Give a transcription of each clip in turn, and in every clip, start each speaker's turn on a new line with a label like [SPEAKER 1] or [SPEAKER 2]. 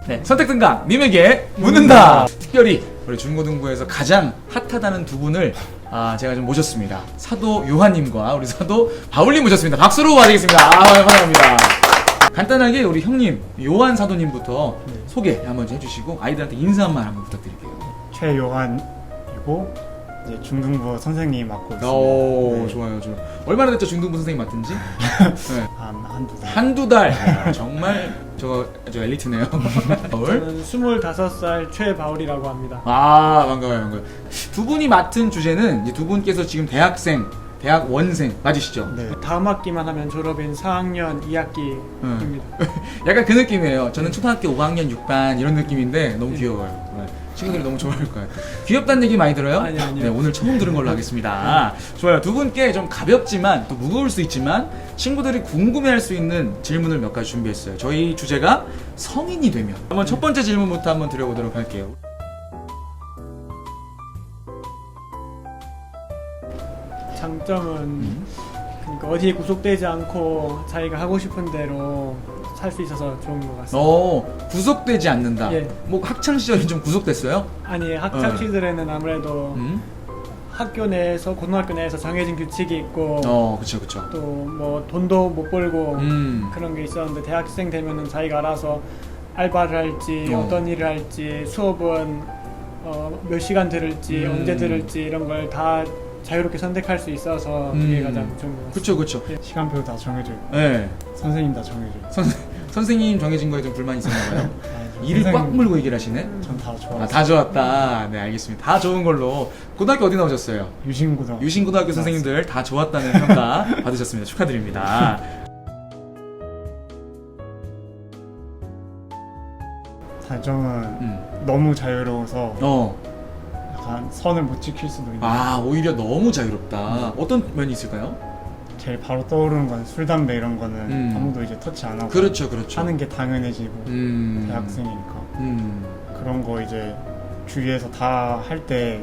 [SPEAKER 1] 네, 선택 등강 님에게 묻는다. 특별히 우리 중고등부에서 가장 핫하다는 두 분을 제가 좀 모셨습니다. 사도 요한님과 우리 사도 바울님 모셨습니다. 박수로 맞이겠습니다. 환영합니다. 간단하게 우리 형님 요한 사도님부터 소개 한번 해주시고 아이들한테 인사 한 말 한번 부탁드릴게요.
[SPEAKER 2] 최요한이고 이제 중등부 선생님 맡고 있습니다.
[SPEAKER 1] 오,
[SPEAKER 2] 네.
[SPEAKER 1] 좋아요. 얼마나 됐죠 중등부 선생님 맡은지? 네.
[SPEAKER 2] 한두 달.
[SPEAKER 1] 한두 달. 야, 정말 저 엘리트네요. 바울.
[SPEAKER 3] 저는 25살 최바울이라고 합니다.
[SPEAKER 1] 반가워요. 두 분이 맡은 주제는 이제 두 분께서 지금 대학원생 맞으시죠?
[SPEAKER 2] 네.
[SPEAKER 3] 다음 학기만 하면 졸업인 4학년 2학기입니다.
[SPEAKER 1] 약간 그 느낌이에요. 저는 초등학교 5학년 6반 이런 느낌인데 너무 귀여워요. 네. 친구들이 너무 좋아할 것 같아요. 귀엽다는 얘기 많이 들어요?
[SPEAKER 3] 아니요.
[SPEAKER 1] 네, 오늘 처음 들은 걸로 하겠습니다. 좋아요. 두 분께 좀 가볍지만 또 무거울 수 있지만 친구들이 궁금해할 수 있는 질문을 몇 가지 준비했어요. 저희 주제가 성인이 되면 한번 첫 번째 질문부터 한번 드려보도록 할게요.
[SPEAKER 3] 장점은 그러니까 어디에 구속되지 않고 자기가 하고 싶은 대로 살 수 있어서 좋은 것 같습니다.
[SPEAKER 1] 구속되지 않는다.
[SPEAKER 3] 예.
[SPEAKER 1] 뭐 학창 시절에 좀 구속됐어요?
[SPEAKER 3] 아니 학창 시절에는 아무래도 학교 내에서 고등학교 내에서 정해진 규칙이 있고
[SPEAKER 1] 그쵸.
[SPEAKER 3] 또 뭐 돈도 못 벌고
[SPEAKER 1] 음.
[SPEAKER 3] 그런 게 있었는데 대학생 되면은 자기가 알아서 알바를 할지 어떤 일을 할지 수업은 몇 시간 들을지 언제 들을지 이런 걸 다 자유롭게 선택할 수 있어서 그게 가장 좋은 것 같습니다.
[SPEAKER 1] 그쵸.
[SPEAKER 2] 시간표 다 정해져 있고
[SPEAKER 1] 네.
[SPEAKER 2] 선생님 다 정해져 있고
[SPEAKER 1] 선생님 정해진 거에 좀 불만이 있었나 봐요. 일을 꽉
[SPEAKER 2] 선생님,
[SPEAKER 1] 물고 얘기를 하시네.
[SPEAKER 2] 전 다 좋아요.
[SPEAKER 1] 다 좋았다. 네, 알겠습니다. 다 좋은 걸로. 고등학교 어디 나오셨어요?
[SPEAKER 2] 유신고등학교.
[SPEAKER 1] 유신고등학교 선생님들 다 좋았다는 평가 받으셨습니다. 축하드립니다.
[SPEAKER 2] 단점은 너무 자유로워서 약간 선을 못 지킬 수도 있는.
[SPEAKER 1] 오히려 너무 자유롭다. 어떤 면이 있을까요?
[SPEAKER 2] 제일 바로 떠오르는 건 술, 담배 이런 거는 아무도 이제 터치 안 하고
[SPEAKER 1] 그렇죠.
[SPEAKER 2] 하는 게 당연해지고 대학생이니까 그런 거 이제 주위에서 다 할 때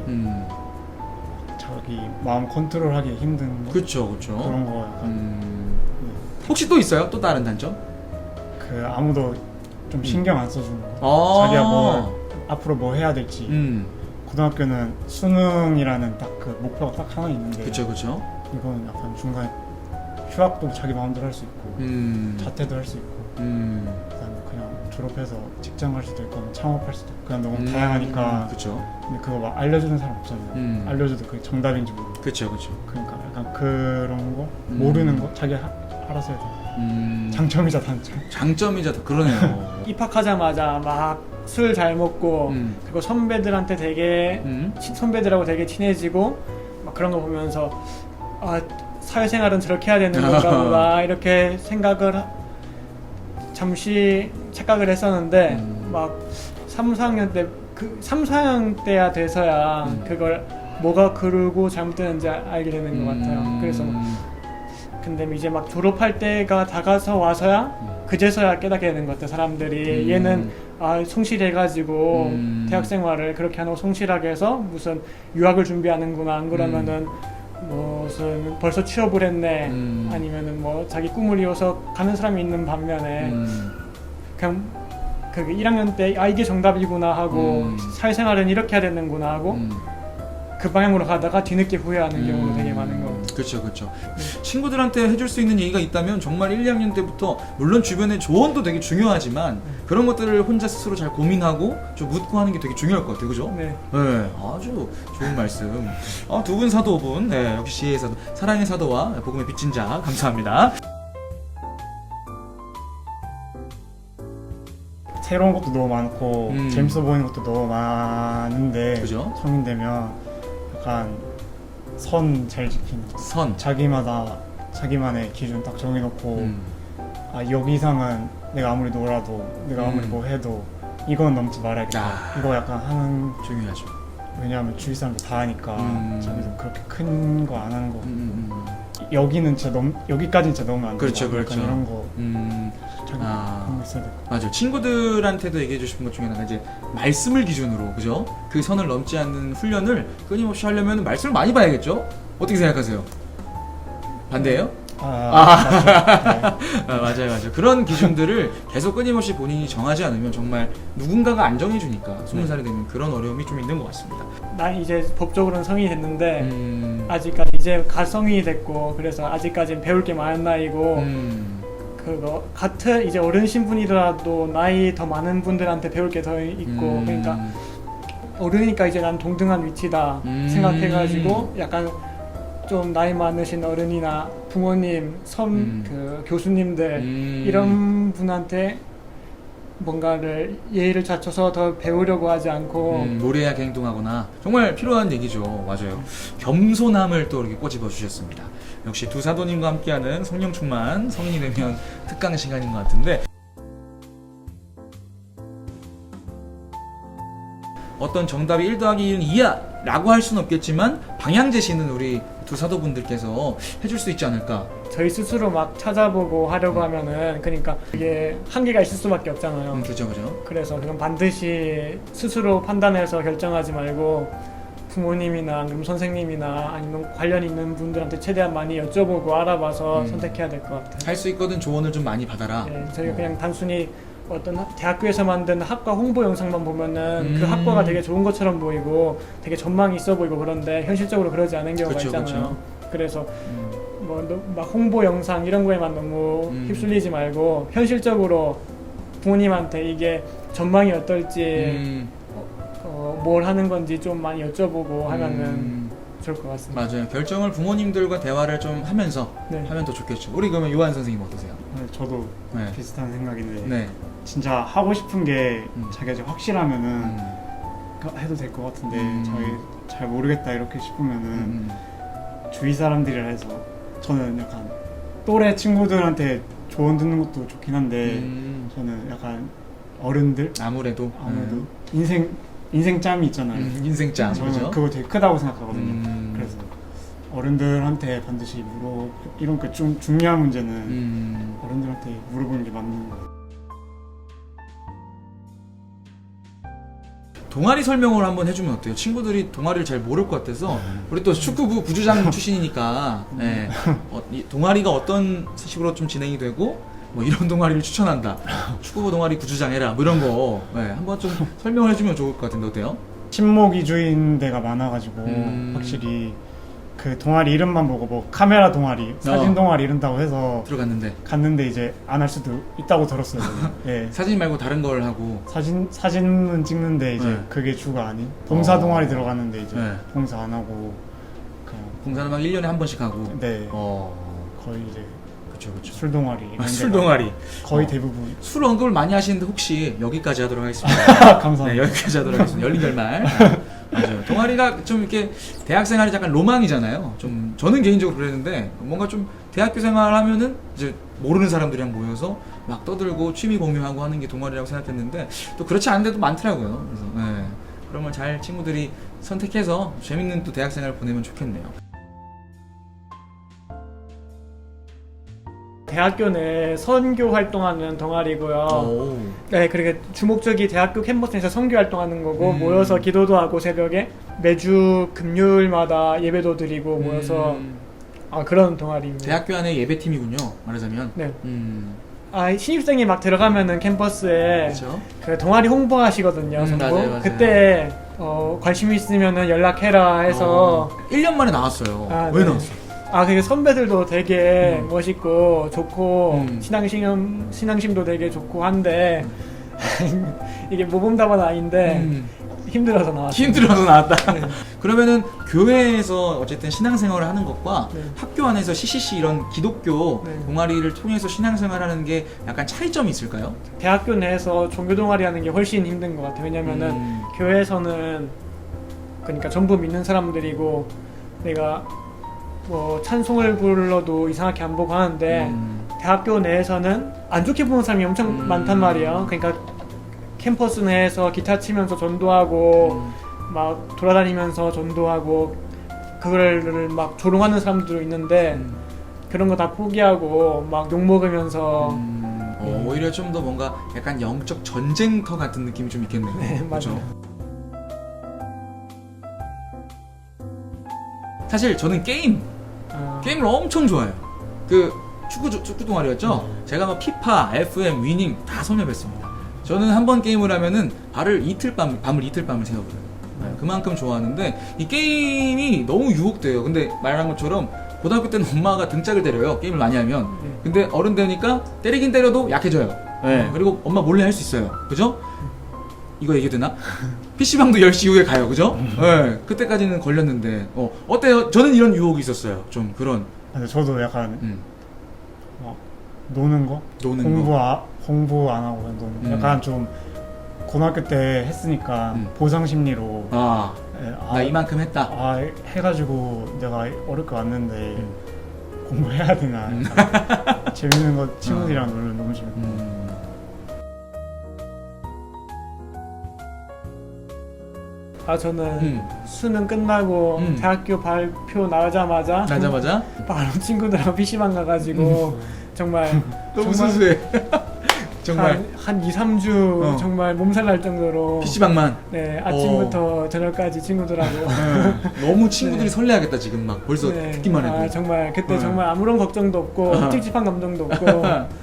[SPEAKER 2] 자기 마음 컨트롤하기 힘든 거?
[SPEAKER 1] 그렇죠.
[SPEAKER 2] 그런 거 약간
[SPEAKER 1] 혹시 또 있어요? 또 다른 단점?
[SPEAKER 2] 그 아무도 좀 신경 안 써주는 거. 자기가 뭐 앞으로 뭐 해야 될지. 고등학교는 수능이라는 딱 그 목표가 딱 하나 있는데
[SPEAKER 1] 그쵸.
[SPEAKER 2] 이건 약간 중간에 휴학도 자기 마음대로 할 수 있고 자퇴도 할 수 있고 그다음에 그냥 졸업해서 직장 갈 수도 있고 창업할 수도 있고 그냥 너무 다양하니까.
[SPEAKER 1] 그쵸.
[SPEAKER 2] 근데 그거 막 알려주는 사람 없잖아요. 알려줘도 그게 정답인지 모르고.
[SPEAKER 1] 그쵸.
[SPEAKER 2] 그러니까 약간 그런 거 모르는 거 자기 알아서 해야 돼. 장점이자 단점.
[SPEAKER 1] 장점이자 그러네요.
[SPEAKER 3] 입학하자마자 막 술 잘 먹고 그리고 선배들한테 되게 선배들하고 되게 친해지고 막 그런 거 보면서 사회생활은 저렇게 해야 되는 건가 보다 이렇게 생각을 잠시 착각을 했었는데 막 3, 4학년 때 3, 4학년 때야 돼서야 그걸 뭐가 그르고 잘못되는지 알게 되는 것 같아요. 그래서 근데 이제 막 졸업할 때가 다가서 와서야 그제서야 깨닫게 되는 것 같아요. 사람들이 얘는 성실해가지고 대학생활을 그렇게 하고 성실하게 해서 무슨 유학을 준비하는구나. 안 그러면은 무슨 벌써 취업을 했네. 아니면은 뭐 자기 꿈을 이어서 가는 사람이 있는 반면에 그냥 그 1학년 때 이게 정답이구나 하고 사회생활은 이렇게 해야 되는구나 하고 그 방향으로 가다가 뒤늦게 후회하는 경우도 되게 많은 것 같아요.
[SPEAKER 1] 그렇죠. 친구들한테 해줄 수 있는 얘기가 있다면 정말 1, 2학년 때부터 물론 주변의 조언도 되게 중요하지만 그런 것들을 혼자 스스로 잘 고민하고 좀 묻고 하는 게 되게 중요할 것 같아요. 그죠?
[SPEAKER 3] 네.
[SPEAKER 1] 아주 좋은 말씀. 두 분 사도분, 역시 지혜의 사도, 사랑의 사도와 복음의 빚진 자 감사합니다.
[SPEAKER 2] 새로운 것도 너무 많고 재밌어 보이는 것도 너무 많은데
[SPEAKER 1] 그죠?
[SPEAKER 2] 성인 되면 약간 선 잘 지키는 거.
[SPEAKER 1] 선.
[SPEAKER 2] 자기만의 기준 딱 정해놓고 여기 이상은 내가 아무리 놀아도 내가 아무리 뭐 해도 이건 넘지 말아야겠다. 이거 약간 하는.
[SPEAKER 1] 중요하죠.
[SPEAKER 2] 왜냐하면 주위 사람들 다 하니까 자기도 그렇게 큰 거 안 하는 거. 여기는 진짜 여기까지는 진짜 너무 안 돼.
[SPEAKER 1] 그렇죠.
[SPEAKER 2] 이런 거 자기 그런 거 있어야 될 것 같아요.
[SPEAKER 1] 맞아요. 친구들한테도 얘기해 주신 것 중에 하나가 이제 말씀을 기준으로, 그죠? 그 선을 넘지 않는 훈련을 끊임없이 하려면 말씀을 많이 봐야겠죠? 어떻게 생각하세요? 반대예요?
[SPEAKER 2] 맞죠.
[SPEAKER 1] 맞아요. 그런 기준들을 계속 끊임없이 본인이 정하지 않으면 정말 누군가가 안 정해주니까 20살이 되면 그런 어려움이 좀 있는 것 같습니다.
[SPEAKER 3] 난 이제 법적으로는 성인이 됐는데 아직까지 이제 가성인이 됐고 그래서 아직까지는 배울 게 많은 나이고 그거 같은 이제 어른 신분이더라도 나이 더 많은 분들한테 배울 게 더 있고 그러니까 어른이니까 이제 난 동등한 위치다 생각해가지고 약간 좀 나이 많으신 어른이나 부모님, 그 교수님들 이런 분한테 뭔가를 예의를 갖춰서 더 배우려고 하지 않고
[SPEAKER 1] 무례하게 행동하거나 정말 필요한 얘기죠. 맞아요. 겸손함을 또 이렇게 꼬집어 주셨습니다. 역시 두 사도님과 함께하는 성령 충만 성인이 되면 특강 시간인 것 같은데 어떤 정답이 1 더하기 1은 2야 라고 할 수는 없겠지만 방향 제시는 우리 두 사도분들께서 해줄 수 있지 않을까.
[SPEAKER 3] 저희 스스로 막 찾아보고 하려고 하면은 그러니까 이게 한계가 있을 수밖에 없잖아요.
[SPEAKER 1] 그죠.
[SPEAKER 3] 그래서 그건 반드시 스스로 판단해서 결정하지 말고 부모님이나 아니면 선생님이나 아니면 관련 있는 분들한테 최대한 많이 여쭤보고 알아봐서 선택해야 될 것 같아요.
[SPEAKER 1] 할 수 있거든 조언을 좀 많이 받아라.
[SPEAKER 3] 네, 저희가 그냥 단순히 어떤 대학교에서 만든 학과 홍보 영상만 보면은 그 학과가 되게 좋은 것처럼 보이고 되게 전망이 있어 보이고 그런데 현실적으로 그러지 않은 경우가 있잖아요. 그래서 뭐 막 홍보 영상 이런 거에만 너무 휩쓸리지 말고 현실적으로 부모님한테 이게 전망이 어떨지 뭘 하는 건지 좀 많이 여쭤보고 하면은 좋을 것 같습니다.
[SPEAKER 1] 맞아요. 결정을 부모님들과 대화를 좀 하면서 하면 더 좋겠죠. 우리 그러면 요한 선생님 어떠세요?
[SPEAKER 2] 네, 저도 비슷한 생각인데
[SPEAKER 1] 네.
[SPEAKER 2] 진짜 하고 싶은 게 자기가 이제 확실하면은 해도 될 것 같은데 자기 잘 모르겠다 이렇게 싶으면은 주위 사람들이라 해서 저는 약간 또래 친구들한테 조언 듣는 것도 좋긴 한데 저는 약간 어른들
[SPEAKER 1] 아무래도
[SPEAKER 2] 인생짬이 있잖아요.
[SPEAKER 1] 인생짬.
[SPEAKER 2] 저는
[SPEAKER 1] 그죠?
[SPEAKER 2] 그거 되게 크다고 생각하거든요. 그래서 어른들한테 반드시 이런 그 좀 중요한 문제는 어른들한테 물어보는 게 맞는 것 같아요.
[SPEAKER 1] 동아리 설명을 한번 해주면 어때요? 친구들이 동아리를 잘 모를 것 같아서 우리 또 축구부 부주장 출신이니까 네. 이 동아리가 어떤 식으로 좀 진행이 되고 뭐 이런 동아리를 추천한다. 축구부 동아리 부주장 해라. 뭐 이런 거 한번 좀 설명을 해주면 좋을 것 같은데 어때요?
[SPEAKER 2] 친목 위주인 데가 많아가지고 확실히 그 동아리 이름만 보고 뭐 카메라 동아리, 사진 동아리 이런다고 해서 갔는데 이제 안 할 수도 있다고 들었어요. 예.
[SPEAKER 1] 사진 말고 다른 걸 하고
[SPEAKER 2] 사진은 찍는데 이제 그게 주가 아닌 봉사 동아리 들어갔는데 이제 봉사 안 하고 그냥
[SPEAKER 1] 봉사는 막 1년에 한 번씩 하고
[SPEAKER 2] 거의 이제
[SPEAKER 1] 그쵸.
[SPEAKER 2] 술 동아리
[SPEAKER 1] 술 동아리
[SPEAKER 2] 거의 대부분
[SPEAKER 1] 술 언급을 많이 하시는데 혹시 여기까지 하도록 하겠습니다.
[SPEAKER 2] 감사합니다.
[SPEAKER 1] 네, 여기까지 하도록 하겠습니다. 열린 결말. 맞아요. 동아리가 좀 이렇게 대학 생활이 약간 로망이잖아요. 좀 저는 개인적으로 그랬는데 뭔가 좀 대학교 생활하면은 이제 모르는 사람들이랑 모여서 막 떠들고 취미 공유하고 하는 게 동아리라고 생각했는데 또 그렇지 않은 데도 많더라고요. 그래서 그러면 잘 친구들이 선택해서 재밌는 또 대학 생활을 보내면 좋겠네요.
[SPEAKER 3] 대학교 내 선교 활동하는 동아리고요. 네, 그리고 주목적이 대학교 캠퍼스에서 선교 활동하는 거고 모여서 기도도 하고 새벽에 매주 금요일마다 예배도 드리고 모여서 그런 동아리입니다.
[SPEAKER 1] 대학교 안에 예배팀이군요. 말하자면.
[SPEAKER 3] 네. 신입생이 막 들어가면은 캠퍼스에
[SPEAKER 1] 그쵸?
[SPEAKER 3] 그 동아리 홍보하시거든요.
[SPEAKER 1] 맞아요.
[SPEAKER 3] 그때 관심 있으면은 연락해라 해서
[SPEAKER 1] 1년 만에 나왔어요. 왜 나왔어요?
[SPEAKER 3] 그게 선배들도 되게 멋있고 좋고 신앙심도 되게 좋고 한데 이게 모범답은 아닌데 힘들어서 나왔어요.
[SPEAKER 1] 힘들어서 나왔다. 그러면은 교회에서 어쨌든 신앙생활을 하는 것과 학교 안에서 CCC 이런 기독교 동아리를 통해서 신앙생활하는 게 약간 차이점이 있을까요?
[SPEAKER 3] 대학교 내에서 종교 동아리 하는 게 훨씬 힘든 것 같아요. 왜냐면은 교회에서는 그러니까 전부 믿는 사람들이고 내가 뭐 찬송을 불러도 이상하게 안 보고 하는데 대학교 내에서는 안 좋게 보는 사람이 엄청 많단 말이에요. 그러니까 캠퍼스 내에서 기타 치면서 전도하고 막 돌아다니면서 전도하고 그거를 막 조롱하는 사람들도 있는데 그런 거 다 포기하고 막 욕먹으면서
[SPEAKER 1] 오히려 좀 더 뭔가 약간 영적 전쟁터 같은 느낌이 좀 있겠네요.
[SPEAKER 3] 네,
[SPEAKER 1] 그렇죠?
[SPEAKER 3] 맞아요.
[SPEAKER 1] 사실 저는 게임을 엄청 좋아해요. 그 축구 동아리였죠. 제가 막 피파, FM, 위닝 다 섭렵했습니다. 저는 한 번 게임을 하면은 밤을 이틀 밤을 새워버려요. 네, 그만큼 좋아하는데 이 게임이 너무 유혹돼요. 근데 말한 것처럼 고등학교 때는 엄마가 등짝을 때려요. 게임을 많이 하면. 근데 어른 되니까 때리긴 때려도 약해져요. 네, 그리고 엄마 몰래 할 수 있어요. 그죠? 이거 얘기 되나? PC방도 10시 이후에 가요. 그죠? 네, 그때까지는 걸렸는데 어때요? 저는 이런 유혹이 있었어요. 좀 그런
[SPEAKER 2] 근데 저도 약간 노는 거?
[SPEAKER 1] 노는
[SPEAKER 2] 공부 안 하고 그냥 노는 거. 약간 좀 고등학교 때 했으니까 보상 심리로
[SPEAKER 1] 나 이만큼 했다.
[SPEAKER 2] 해가지고 내가 어렵게 왔는데 공부해야 되나. 재밌는 거 친구들이랑 놀면 너무 재밌고.
[SPEAKER 3] 저는 수능 끝나고 대학교 발표 나자마자 바로 친구들하고 PC방 가가지고 정말
[SPEAKER 1] 너무 순수해. 정말
[SPEAKER 3] 한 2, 3주 정말 몸살 날 정도로
[SPEAKER 1] PC방만.
[SPEAKER 3] 네, 아침부터 저녁까지 친구들하고
[SPEAKER 1] 너무 친구들이 설레하겠다 지금 막 벌써
[SPEAKER 3] 네,
[SPEAKER 1] 듣기만 해도.
[SPEAKER 3] 정말 그때 정말 아무런 걱정도 없고 찝찝한 감정도 없고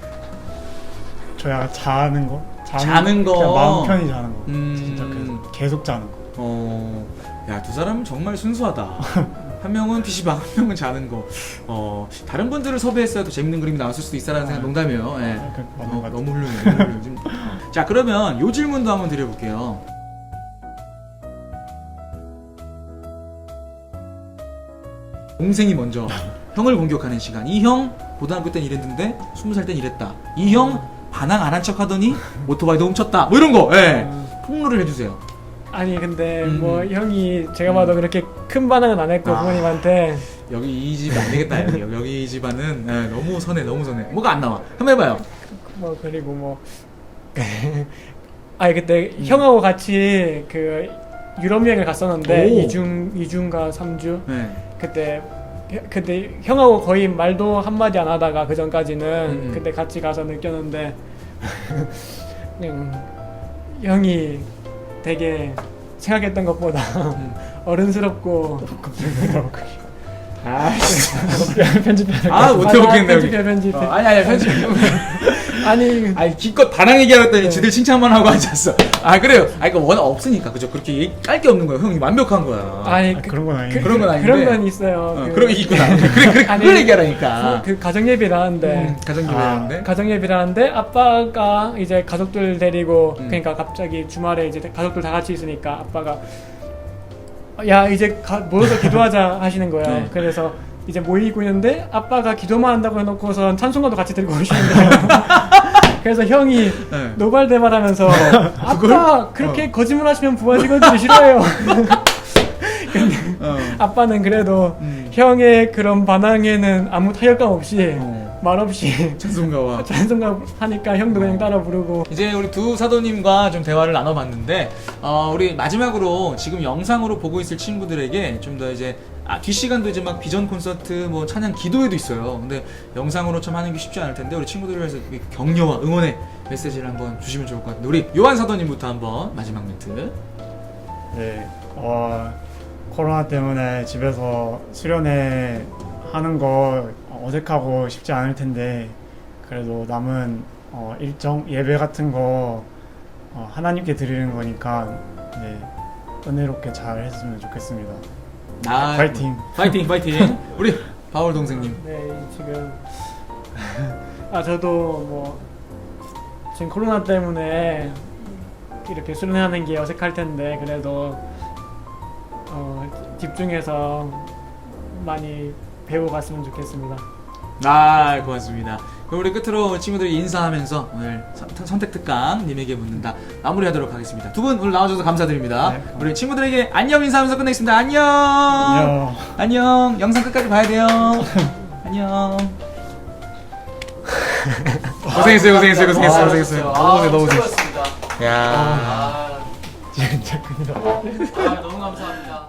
[SPEAKER 2] 저 약간 자는 거?
[SPEAKER 1] 자는 거.
[SPEAKER 2] 그냥 마음 편히 자는 거. 진짜 계속 자는 거.
[SPEAKER 1] 야, 두 사람은 정말 순수하다. 한 명은 PC방, 한 명은 자는 거. 다른 분들을 섭외했어야 더 재밌는 그림이 나왔을 수도 있다라는 생각 농담이에요. 예. 너무 훌륭해요. 너무 훌륭해요. 지금, 자, 그러면 요 질문도 한번 드려볼게요. 동생이 먼저 형을 공격하는 시간. 이 형 고등학교 땐 이랬는데 20살 땐 이랬다. 이 형 반항 안 한 척 하더니 오토바이도 훔쳤다. 뭐 이런 거. 예. 폭로를 해주세요.
[SPEAKER 3] 아니 근데 뭐 형이 제가 봐도 그렇게 큰 반응은 안 했고 부모님한테
[SPEAKER 1] 여기 이 집 안 되겠다. 여기 이 집안은 너무 선해. 뭐가 안 나와. 한번 해봐요.
[SPEAKER 3] 뭐 그리고 뭐 아니 그때 형하고 같이 그 유럽 여행을 갔었는데 2주인가 3주
[SPEAKER 1] 네.
[SPEAKER 3] 그때 형하고 거의 말도 한마디 안 하다가 그 전까지는 그때 같이 가서 느꼈는데 그냥 형이 되게 생각했던 것보다 어른스럽고 편집해.
[SPEAKER 1] 못해 먹겠네.
[SPEAKER 3] 편집해.
[SPEAKER 1] 아니 편집. 아니 기껏 반항 얘기하랬더니 지들 칭찬만 하고 앉았어. 그래요. 그러니까 워낙 없으니까 그죠. 그렇게 깔 게 없는 거예요. 형이 완벽한 거야.
[SPEAKER 2] 그런 건 아닌데.
[SPEAKER 1] 그런 건 아닌데.
[SPEAKER 3] 그런 건 있어요.
[SPEAKER 1] 그런 게 있구나. 그걸 얘기하라니까.
[SPEAKER 3] 그 가정 예배를 하는데. 가정 예배를 하는데 아빠가 이제 가족들 데리고 그러니까 갑자기 주말에 이제 가족들 다 같이 있으니까 아빠가 야 이제 모여서 기도하자 하시는 거예요.
[SPEAKER 1] 네.
[SPEAKER 3] 그래서 이제 모이고 있는데 아빠가 기도만 한다고 해놓고선 찬송가도 같이 들고 오시는 거예요. 그래서 형이 노발대발하면서 아빠 그렇게 거짓말하시면 부하 직원들이 싫어해요. 근데 아빠는 그래도 형의 그런 반항에는 아무 타격감 없이 말없이
[SPEAKER 1] 찬송가
[SPEAKER 3] 하니까 형도 그냥 따라 부르고.
[SPEAKER 1] 이제 우리 두 사도님과 좀 대화를 나눠봤는데 우리 마지막으로 지금 영상으로 보고 있을 친구들에게 좀 더 이제 뒷시간도 이제 막 비전 콘서트 뭐 찬양 기도회도 있어요. 근데 영상으로 참 하는 게 쉽지 않을 텐데 우리 친구들을 위해서 격려와 응원의 메시지를 한번 주시면 좋을 것 같은데 우리 요한 사도님부터 한번 마지막 멘트.
[SPEAKER 2] 네. 코로나 때문에 집에서 수련회 하는 거 어색하고 쉽지 않을 텐데 그래도 남은 일정 예배 같은 거 하나님께 드리는 거니까 은혜롭게 잘 했으면 좋겠습니다. 파이팅.
[SPEAKER 1] 우리 바울 동생님.
[SPEAKER 3] 네, 지금 저도 뭐 지금 코로나 때문에 이렇게 수련하는 게 어색할 텐데 그래도 집중해서 많이 배우고 갔으면 좋겠습니다.
[SPEAKER 1] 고맙습니다. 그럼 우리 끝으로 친구들이 인사하면서 오늘 선택 특강 님에게 묻는다 마무리하도록 하겠습니다. 두 분 오늘 나와주셔서 감사드립니다. 네. 우리 친구들에게 안녕 인사하면서 끝내겠습니다. 안녕. 영상 끝까지 봐야 돼요. 안녕. 고생했어요. 너무 고생했어요. 야.
[SPEAKER 3] 진짜 큰일 났다.
[SPEAKER 1] 너무 감사합니다.